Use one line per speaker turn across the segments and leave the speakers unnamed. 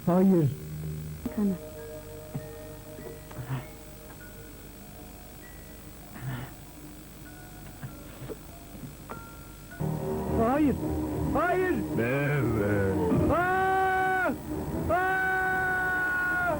Hayır.
Kana.
Hayır. Hayır.
Evet.
Aa! Aa!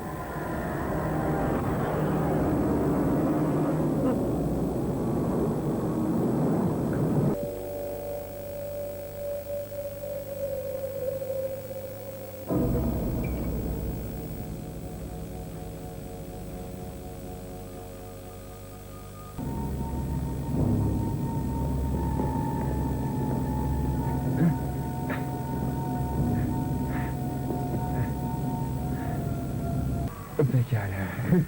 Pekala.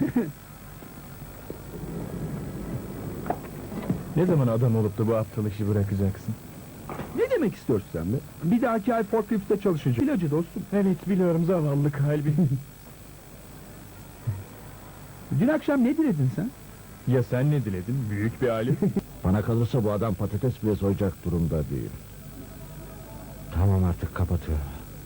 Ne zaman adam olup da bu aptal işi bırakacaksın?
Ne demek istiyorsun sen be? Bir dahaki ay forkliftte çalışacağım. İlacı dostum.
Evet biliyorum, zavallı kalbi.
Dün akşam ne diledin sen?
Ya sen ne diledin? Büyük bir alet.
Bana kalırsa bu adam patates bile soyacak durumda değil. Tamam, artık kapatıyorum.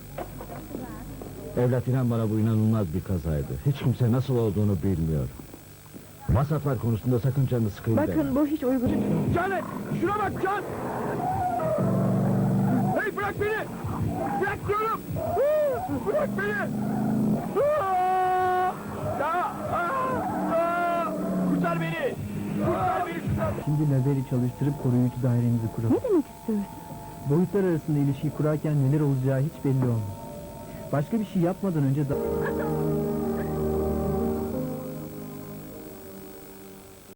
Evlat, inan bana, bu inanılmaz bir kazaydı. Hiç kimse nasıl olduğunu bilmiyor. Masraflar konusunda sakın canını sıkayım deme.
Bakın bu hiç uygun değil.
Can! Şuna bak Can! Hey bırak beni! Bırak diyorum! Bırak beni! Kurtar beni! Kurtar beni şuradan!
Şimdi lazeri çalıştırıp koruyucu dairemizi kuralım.
Ne demek istiyorsun?
Boyutlar arasında ilişki kurarken neler olacağı hiç belli olmaz. Başka bir şey yapmadan önce